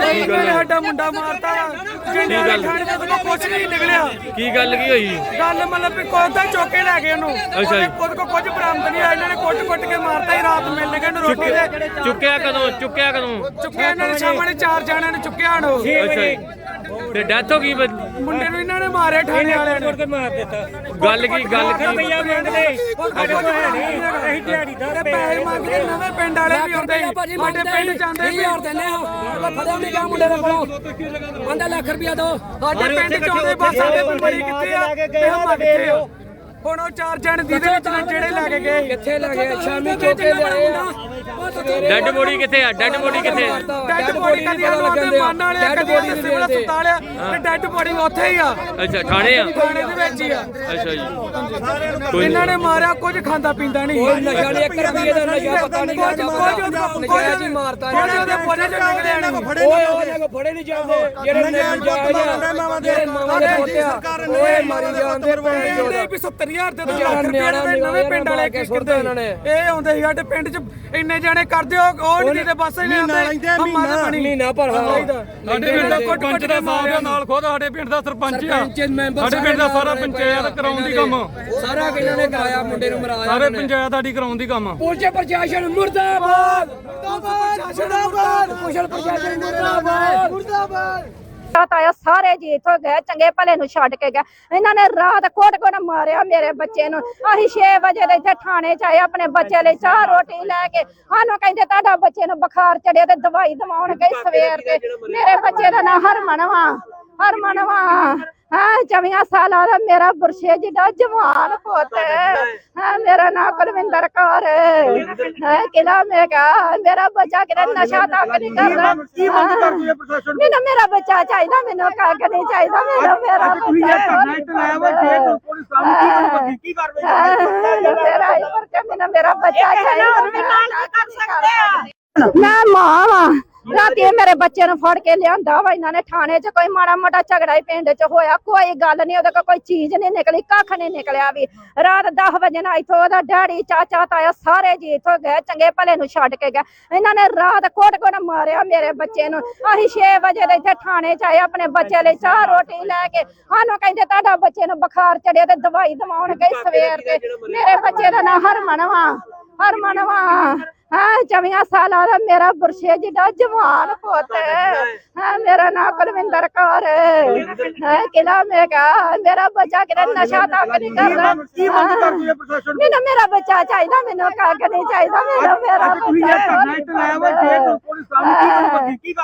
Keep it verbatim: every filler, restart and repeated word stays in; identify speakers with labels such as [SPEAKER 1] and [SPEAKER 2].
[SPEAKER 1] ਸਾਡਾ ਮੁੰਡਾ ਮਾਰਤਾ ਜਿੰਨੇ ਖਾਣੇ ਦਾ ਕੋਈ ਕੁਝ ਨਹੀਂ ਨਿਕਲਿਆ।
[SPEAKER 2] ਕੀ ਗੱਲ ਕੀ ਹੋਈ?
[SPEAKER 1] ਗੱਲ ਮਤਲਬ ਵੀ ਕੋਈ ਤਾਂ ਚੁੱਕ ਕੇ ਲੈ ਗਏ ਉਹਨੂੰ।
[SPEAKER 2] ਅੱਛਾ ਜੀ।
[SPEAKER 1] ਖੁਦ ਕੋ ਕੁਝ ਬਰਾਮਦ ਨਹੀਂ ਆਇਆ, ਇਹਨਾਂ ਨੇ ਕੁੱਟ-ਕੁੱਟ ਕੇ ਮਾਰਤਾ ਹੀ। ਰਾਤ ਮਿਲ ਗਏ ਨੂੰ ਰੋਟੀ ਦੇ।
[SPEAKER 2] ਚੁੱਕਿਆ ਕਦੋਂ? ਚੁੱਕਿਆ ਕਦੋਂ?
[SPEAKER 1] ਚੁੱਕਿਆ ਇਹਨਾਂ ਨੇ ਸਾਹਮਣੇ ਚਾਰ ਜਣਿਆਂ ਨੇ ਚੁੱਕਿਆ ਉਹਨੂੰ।
[SPEAKER 2] ਅੱਛਾ ਜੀ। ਤੇ ਡੈਥ ਹੋ ਗਈ
[SPEAKER 1] ਮੁੰਡੇ ਨੂੰ ਇਹਨਾਂ ਨੇ ਮਾਰਿਆ ਠਾਣੇ ਵਾਲਿਆਂ ਨੇ।
[SPEAKER 2] ਮਾਰ ਦਿੱਤਾ। ਗੱਲ ਕੀ ਗੱਲ ਕੀ?
[SPEAKER 1] ਰੁਪਈਆ ਮੰਗਦੇ ਅਸੀਂ ਦਿਹਾੜੀਦਾਰ ਪੈਸੇ ਮੰਗਦੇ। ਨਵੇਂ ਪਿੰਡ ਵਾਲੇ ਵੀ ਆਉਂਦੇ ਸਾਡੇ ਪਿੰਡ ਜਾਂਦੇ ਵੀ ਦਿੰਦੇ ਹਾਂ। ਫੜਿਆ ਨਹੀਂ ਗਿਆ ਮੁੰਡੇ ਦੇ ਕੋਲੋਂ। ਆਂਦਾ ਲੱਖ ਰੁਪਈਆ ਦੋ। ਸਾਡੇ ਪਿੰਡ ਚ ਆਉਂਦੇ ਬਸ ਸਾਡੇ ਬੰਬਰੀ ਕਿੱਥੇ ਆ ਤੇ ਹਮਾ ਕਿੱਥੇ ਆ। ਹੁਣ ਉਹ ਚਾਰ ਜਣ ਦੀ ਦੇ ਵਿੱਚ ਜਿਹੜੇ ਲੈ ਕੇ ਗਏ ਕਿੱਥੇ ਲੈ ਗਏ? ਸ਼ਾਮੀ ਚੋਕੇ ਲਿਆਏ।
[SPEAKER 2] ਡੈਡ ਬੋਡੀ ਕਿੱਥੇ ਆ? ਡੈਡ ਬੋਡੀ ਕਿੱਥੇ?
[SPEAKER 1] ਡੈਡ ਬੋਡੀ ਕਦੀ ਉਹਦੇ ਮਨ ਵਾਲੇ ਕਦੀ ਉਹਦੇ ਸਿਵਲ ਹਸਪਤਾਲ ਆ ਤੇ ਡੈਡ ਬੋਡੀ ਉੱਥੇ ਹੀ ਆ।
[SPEAKER 2] ਅੱਛਾ ਥਾਣੇ ਆ?
[SPEAKER 1] ਥਾਣੇ ਦੇ ਵਿੱਚ ਹੀ ਆ।
[SPEAKER 2] ਅੱਛਾ ਜੀ।
[SPEAKER 1] ਇਹਨਾਂ ਨੇ ਮਾਰਿਆ ਕੁਝ ਖਾਂਦਾ ਪੀਂਦਾ ਨਹੀਂ।
[SPEAKER 3] ਕੋਈ ਨਸ਼ਾ ਨਹੀਂ, ਇੱਕ ਰੁਪਈਏ ਦਾ ਨਸ਼ਾ ਪਤਾ ਨਹੀਂ ਕਰਦਾ। ਨਜਾਇਜ਼ ਹੀ ਮਾਰਤਾ
[SPEAKER 1] ਉਹਦੇ ਪੋਲੇ ਚ ਨਿਕਲਿਆ ਨਹੀਂ।
[SPEAKER 3] ਓਏ ਉਹਦੇ ਕੋ ਫੜੇ ਨਹੀਂ ਜਾਂਦੇ ਜਿਹੜੇ ਨਜਾਇਜ਼ ਆ, ਜਿਹੜੇ ਮਾਵਾਂ ਦੇ ਪੋਤੇ ਆ ਓਏ ਮਾਰੀ ਜਾਂਦੇ ਭੈਣ
[SPEAKER 1] ਵੀ ਸੱਤਰ ਹਜ਼ਾਰ ਦੇ ਲੱਖ ਰੁਪਏ ਦੇ ਨਵੇਂ ਪਿੰਡ ਵਾਲੇ ਕੀ ਕਰਦੇ ਇਹਨਾਂ ਨੇ। ਇਹ ਆਉਂਦੇ ਸੀ ਸਾਡੇ ਪਿੰਡ ਚ ਇੰਨੇ ਜਾਣੇ ਕਰਦੇ ਉਹ ਨਹੀਂ ਤੇ ਬਸ ਇਹਨੇ ਆਉਂਦੇ ਹਮਾ ਦੇ ਬਣੀ
[SPEAKER 3] ਮਹੀਨਾ ਭਰ
[SPEAKER 1] ਸਾਡੇ ਪਿੰਡ ਦਾ ਪੰਚ ਦਾ ਸਾਹਿਬ ਨਾਲ ਖੁਦ ਸਾਡੇ ਪਿੰਡ ਦਾ ਸਰਪੰਚ ਆ। ਸਾਡੇ ਪਿੰਡ ਦਾ ਸਾਰਾ ਪੰਚਾਇਤ ਕਰਾਉਣ ਦੀ ਕੰਮ
[SPEAKER 3] ਸਾਰਾ ਇਹਨਾਂ ਨੇ ਕਰਾਇਆ। ਮੁੰਡੇ ਨੂੰ ਮਰਾਇਆ
[SPEAKER 1] ਸਾਰੇ ਪੰਚਾਇਤ ਸਾਡੀ ਕਰਾਉਣ ਦੀ ਕੰਮ।
[SPEAKER 3] ਪੁਲਿਸ ਪ੍ਰਸ਼ਾਸਨ ਮੁਰਦਾਬਾਦ ਮੁਰਦਾਬਾਦ ਪੁਲਿਸ ਪ੍ਰਸ਼ਾਸਨ ਮੁਰਦਾਬਾਦ ਮੁਰਦਾਬਾਦ।
[SPEAKER 4] ਤਾਇਆ ਸਾਰੇ ਜੀ ਇੱਥੋਂ ਗਏ, ਚੰਗੇ ਭਲੇ ਨੂੰ ਛੱਡ ਕੇ ਗਏ। ਇਹਨਾਂ ਨੇ ਰਾਤ ਕੋਟ ਕੋਟ ਮਾਰਿਆ ਮੇਰੇ ਬੱਚੇ ਨੂੰ। ਅਸੀਂ ਛੇ ਵਜੇ ਦੇ ਇੱਥੇ ਥਾਣੇ ਚ ਆਏ ਆਪਣੇ ਬੱਚੇ ਲਈ ਚਾਹ ਰੋਟੀ ਲੈ ਕੇ। ਸਾਨੂੰ ਕਹਿੰਦੇ ਤੁਹਾਡਾ ਬੱਚੇ ਨੂੰ ਬੁਖਾਰ ਚੜਿਆ ਤੇ ਦਵਾਈ ਦਵਾਉਣ ਗਈ ਸਵੇਰ ਦੇ। ਮੇਰੇ ਬੱਚੇ ਦਾ ਨਾਂ ਹਰਮਨ ਵਾ ਹਰਮਨ ਵਾ ਹਾਂ ਚੌਵੀਆਂ ਸਾਲਾਂ ਦਾ ਮੇਰਾ ਬੁਰਸ਼ੇ ਜਿਹਾ ਜਵਾਨ ਪੁੱਤ ਹਾਂ। ਮੇਰਾ ਨਾਂ ਕੁਲਵਿੰਦਰ ਕੌਰ ਹੈ। ਕਿਲਾ ਮੈਂ ਕਹਾ ਮੇਰਾ ਬੱਚਾ ਕਿਤੇ ਨਸ਼ਾ ਤੱਕ ਨਹੀਂ ਕਰਦਾ। ਮੈਨੂੰ ਮੇਰਾ ਬੱਚਾ ਚਾਹੀਦਾ, ਮੈਨੂੰ ਕੱਖ ਨਹੀਂ ਚਾਹੀਦਾ। ਮੇਰਾ ਮੇਰਾ ਮੇਰਾ ਮੈਨੂੰ ਮੇਰਾ ਬੱਚਾ ਚਾਹੀਦਾ। ਮੈਂ ਮਾਂ ਵਾ। ਰਾਤੀ ਮੇਰੇ ਬੱਚੇ ਨੂੰ ਫੜ ਕੇ ਲਿਆਂਦਾ ਵਾ ਇਹਨਾਂ ਨੇ ਥਾਣੇ ਚ। ਕੋਈ ਮਾੜਾ ਮੋਟਾ ਝਗੜਾ ਹੀ ਪਿੰਡ ਚ ਹੋਇਆ, ਕੋਈ ਗੱਲ ਨਹੀਂ। ਉਹਦੇ ਕੋਲ ਕੋਈ ਚੀਜ਼ ਨਹੀਂ ਨਿਕਲੀ, ਕੱਖ ਨਹੀਂ ਨਿਕਲਿਆ ਵੀ। ਰਾਤ ਦਸ ਵਜੇ ਨਾਲ ਇੱਥੋਂ ਉਹਦਾ ਡੈਡੀ ਚਾਚਾ ਤਾਇਆ ਸਾਰੇ ਜੀ ਇੱਥੋਂ ਗਏ, ਚੰਗੇ ਭਲੇ ਨੂੰ ਛੱਡ ਕੇ ਗਏ। ਇਹਨਾਂ ਨੇ ਰਾਤ ਕੋਟ ਕੋਟ ਮਾਰਿਆ ਮੇਰੇ ਬੱਚੇ ਨੂੰ। ਅਸੀਂ ਛੇ ਵਜੇ ਦੇ ਇੱਥੇ ਥਾਣੇ ਚ ਆਏ ਆਪਣੇ ਬੱਚੇ ਲਈ ਚਾਹ ਰੋਟੀ ਲੈ ਕੇ। ਸਾਨੂੰ ਕਹਿੰਦੇ ਤੁਹਾਡਾ ਬੱਚੇ ਨੂੰ ਬੁਖਾਰ ਚੜਿਆ ਤੇ ਦਵਾਈ ਦਵਾਉਣ ਗਈ ਸਵੇਰ ਦੇ। ਮੇਰੇ ਬੱਚੇ ਦਾ ਨਾਂ ਹਰਮਨ ਵਾ ਹਰਮਨ ਵਾ ਹਾਂ ਚੌਵੀਆਂ ਸਾਲਾਂ ਦਾ ਮੇਰਾ ਬੁਰਸ਼ੇ ਜਿਹਾ ਜਵਾਨ ਪੁੱਤ ਹਾਂ। ਮੇਰਾ ਨਾਂ ਕੁਲਵਿੰਦਰ ਕੌਰ ਹੈ। ਕਿਲਾ ਮੈਂ ਕਹਾ ਮੇਰਾ ਬੱਚਾ ਕਿਤੇ ਨਸ਼ਾ ਤੱਕ ਨਹੀਂ ਕਰਦਾ। ਮੈਨੂੰ ਮੇਰਾ ਬੱਚਾ ਚਾਹੀਦਾ, ਮੈਨੂੰ ਕੱਖ ਨਹੀਂ ਚਾਹੀਦਾ। ਮੇਰਾ ਮੇਰਾ ਬੱਚਾ